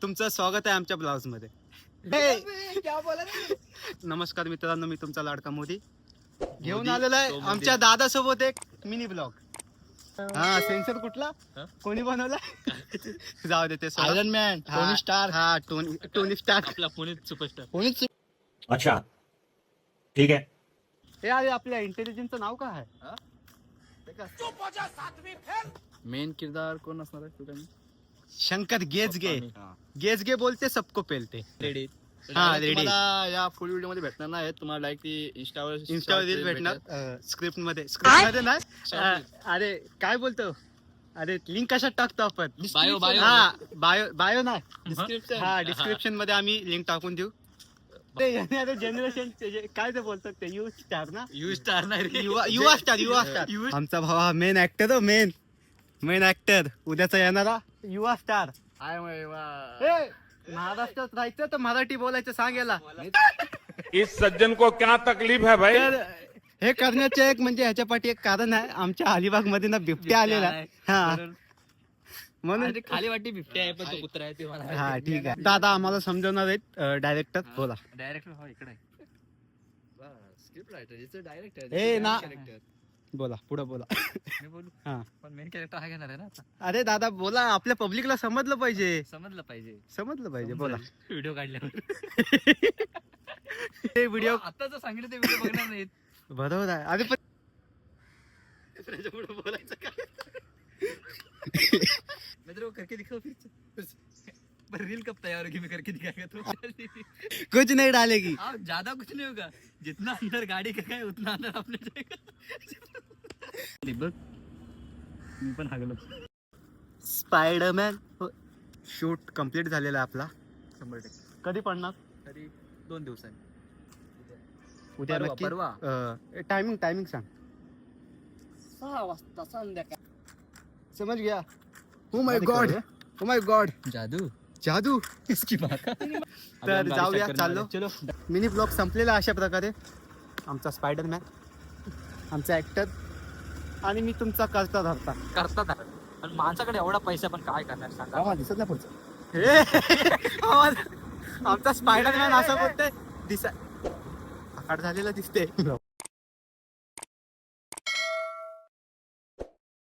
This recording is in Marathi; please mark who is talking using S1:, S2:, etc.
S1: तुमचं स्वागत आहे आमच्या ब्लाउज मध्ये. नमस्कार मित्रांनो, मी तुमचा लाडका मोदी घेऊन आलेला आहे आमच्या दादा सोबत एक मिनी ब्लॉग. हा सेन्सर कुठला कोणी बनवला जाऊ दे ते
S2: आयरन मॅन, टोनी स्टार.
S1: हा टोनी स्टार
S3: आपला पुणे सुपरस्टार.
S2: कोणीच
S4: अच्छा ठीक है.
S1: हे अरे आपल्या इंटेलिजन्सचं नाव काय आहे?
S3: मेन किरदार कोण असणार आहे तुला?
S1: शंकर गेजगे. गेजगे बोलते सबको पेलते.
S3: रेडी.
S1: हा, ready.
S3: तुम्हाला या फुल व्हिडिओ मध्ये भेटणार नाही. तुम्हाला लाईक ती इंस्टावर
S1: रील भेटणार. स्क्रिप्ट मध्ये नाही. अरे काय बोलतो? अरे लिंक कशात टाकतो आपण?
S3: बायो
S1: बायो नाही,
S3: डिस्क्रिप्शन.
S1: हा डिस्क्रिप्शन मध्ये आम्ही लिंक टाकून देऊ. ते जनरेशन काय ते बोलतात ते यू स्टार ना,
S3: यू स्टार नाही रे.
S1: युवा स्टार. आमचा भाव हा मेन ऍक्टर. मेन ऍक्टर उद्याचा येणारा युवा स्टार. महाराष्ट्रात राहायचं तर मराठी बोलायचं सांगायला.
S5: इस सज्जन को क्या तकलीफ है भाई?
S1: तर हे करण्याचे एक म्हणजे ह्याच्या पाठी एक कारण आहे. आमच्या अलिबाग मध्ये ना बिबट्या आलेला आहे. हा म्हणून
S3: खाली वाटी बिबट्या आहे पण तो कुत्रा आहे ते मला.
S1: हा ठीक आहे. दादा आम्हाला समजवणार आहेत. डायरेक्टर बोला.
S3: डायरेक्टर हो इकडे. Script writer director.
S1: ए ना बोला पुढे बोला.
S3: मी बोलू.
S1: हा
S3: पण मेन कॅरेक्टर हा घेणार आहे ना आता.
S1: अरे दादा बोला, आपल्या पब्लिकला समजलं पाहिजे.
S3: समजलं पाहिजे
S1: बोला.
S3: व्हिडिओ काढल्यावर.
S1: ते व्हिडिओ
S3: आता जर सांगितलं ते व्हिडिओ बघणार नाहीत.
S1: बरोबर आहे. अरे पण बोलायचं काय?
S3: मैं तेरे को करके दिखाऊं फिर? पर रील कब तैयार होगी? मैं करके दिखाएगा तो.
S1: कुछ नहीं डालेगी.
S3: हाँ, ज्यादा कुछ नहीं होगा. जितना अंदर गाड़ी का है उतना अंदर आपने जाएगा. बघ मी पण हागलो.
S1: स्पायडरमॅन शूट कम्प्लीट झालेला आहे आपला.
S3: 100%.
S1: कधी पडणार?
S3: तरी 2 दिवसांनी.
S1: उद्या
S3: परवा,
S1: नक्की.
S3: परवा.
S1: टायमिंग सांग.
S3: 6 वाजता संध्याकाळ.
S1: समज गया. ओ माय गॉड जादू.
S3: इसकी बात.
S1: तर जाऊया, चाललो.
S3: चलो.
S1: मिनी ब्लॉग संपलेला अशा प्रकारे. आमचा स्पायडरमॅन, आमचा ऍक्टर आणि मी तुमचा करता धरता.
S3: करतात पण माणसाकडे एवढा पैसा पण काय करणार सांगा.
S1: दिसत नाही पुढचं. आमचा स्पायडरमॅन असं बोलतोय दिसा आकाड झालेला दिसते.